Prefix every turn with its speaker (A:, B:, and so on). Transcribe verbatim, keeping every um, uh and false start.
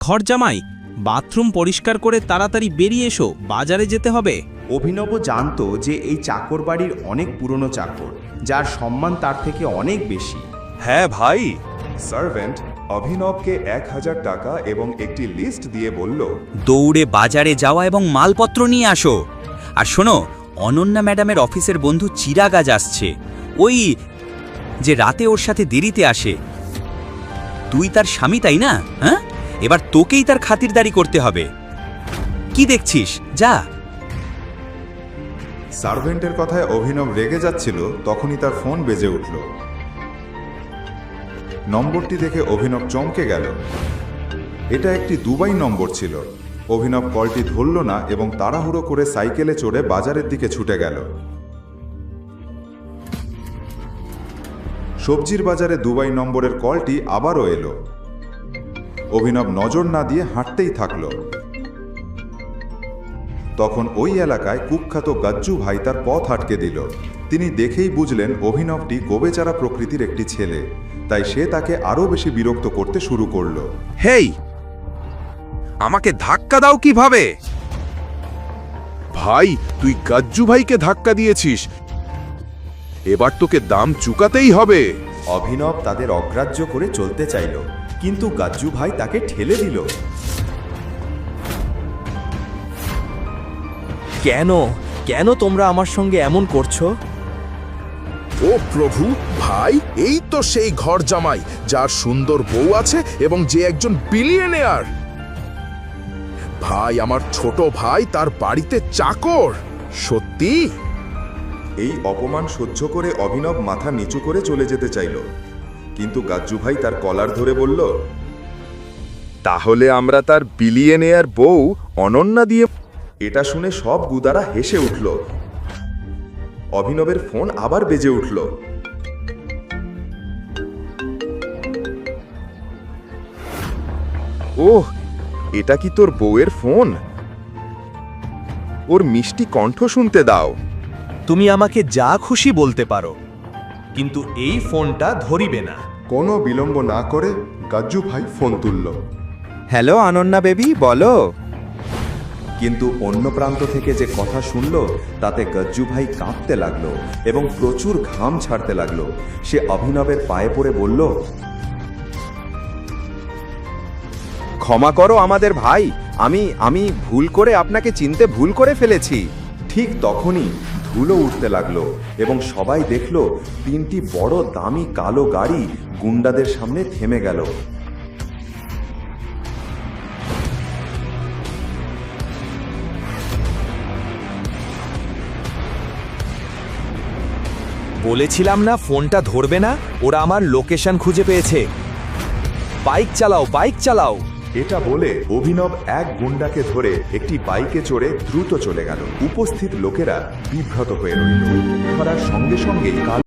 A: ঘরজামাই, bathroom পরিষ্কার করে তাড়াতাড়ি বেরিয়ে এসো, বাজারে যেতে হবে।
B: অভিনব জানতো যে এই চাকর বাড়ির অনেক পুরনো চাকর, যার সম্মান তার থেকে অনেক বেশি।
C: হ্যাঁ ভাই। সার্ভেন্ট অভিনবকে এক হাজার টাকা এবং একটি লিস্ট দিয়ে বলল,
D: দৌড়ে বাজারে যাওয়া এবং মালপত্র নিয়ে আসো। আর শোনো, অনন্যা ম্যাডামের অফিসের বন্ধু চিরাগাজ আসছে, ওই যে রাতে ওর সাথে দেরিতে আসে। তুই তার স্বামী, তাই না? হ্যাঁ, এবার তোকেই তার খাতিরদারি করতে হবে। কি দেখছিস, যা।
C: সার্ভেন্টের কথায় অভিনব রেগে যাচ্ছিল, তখনই তার ফোন বেজে উঠল। নম্বরটি দেখে অভিনব চমকে গেল। এটা একটি দুবাই নম্বর ছিল। অভিনব কলটি ধরল না এবং তাড়াহুড়ো করে সাইকেলে চড়ে বাজারের দিকে ছুটে গেল। সবজির বাজারে দুবাই নম্বরের কলটি আবারও এলো। অভিনব নজর না দিয়ে হাঁটতেই থাকল। তখন ওই এলাকায় কুখ্যাত গাজ্জু ভাই তার পথ আটকে দিল। তিনি দেখেই বুঝলেন অভিনবটি গোবেচারা প্রকৃতির একটি ছেলে, তাই সে তাকে আরও বেশি বিরক্ত করতে শুরু করল।
E: হেই, আমাকে ধাক্কা দাও কিভাবে? ভাই, তুই গাজ্জু ভাইকে ধাক্কা দিয়েছিস, এবার তোকে দাম চুকাতেই হবে।
B: অভিনব তাদের অগ্রাহ্য করে চলতে চাইল, কিন্তু গাজ্জু ভাই তাকে ঠেলে দিল।
F: কেন কেন তোমরা আমার সঙ্গে এমন করছো?
E: ও প্রভু, ভাই এই তো সেই ঘর জামাই যার সুন্দর বউ আছে এবং যে একজন বিলিয়নিয়ার। ভাই, আমার ছোট ভাই তার বাড়িতে চাকর। সত্যি?
C: এই অপমান সহ্য করে অভিনব মাথা নিচু করে চলে যেতে চাইল, কিন্তু গাজ্জু ভাই তার কলার ধরে বলল, তাহলে আমরা তার বিলিয়নিয়ার বউ অনন্যা দিয়ে। এটা শুনে সব গুদারা হেসে উঠল। অভিনবের ফোন আবার বেজে উঠল। ওহ, এটা কি তোর বউয়ের ফোন? ওর মিষ্টি কণ্ঠ শুনতে দাও।
F: তুমি আমাকে যা খুশি বলতে পারো, কিন্তু এই ফোনটা ধরিবে না।
C: কোনো বিলম্ব না করে গাজ্জু ভাই ফোন তুলল।
B: হ্যালো অনন্যা বেবি, বলো। কিন্তু অন্য প্রান্ত থেকে যে কথা শুনল তাতে গজ্জু ভাই কাঁপতে লাগলো এবং প্রচুর ঘাম ছাড়তে লাগলো। সে অভিনবের পায়ে পড়ে বলল, ক্ষমা করো আমাদের ভাই, আমি আমি ভুল করে আপনাকে চিনতে ভুল করে ফেলেছি। ঠিক তখনই ধুলো উঠতে লাগলো এবং সবাই দেখল তিনটি বড় দামি কালো গাড়ি গুন্ডাদের সামনে থেমে গেল।
F: বলেছিলাম না ফোনটা ধরবে না? ওরা আমার লোকেশন খুঁজে পেয়েছে। বাইক চালাও, বাইক চালাও।
C: এটা বলে অভিনব এক গুন্ডাকে ধরে একটি বাইকে চড়ে দ্রুত চলে গেল। উপস্থিত লোকেরা বিভ্রাত হয়ে রইল। ধরার সঙ্গে সঙ্গে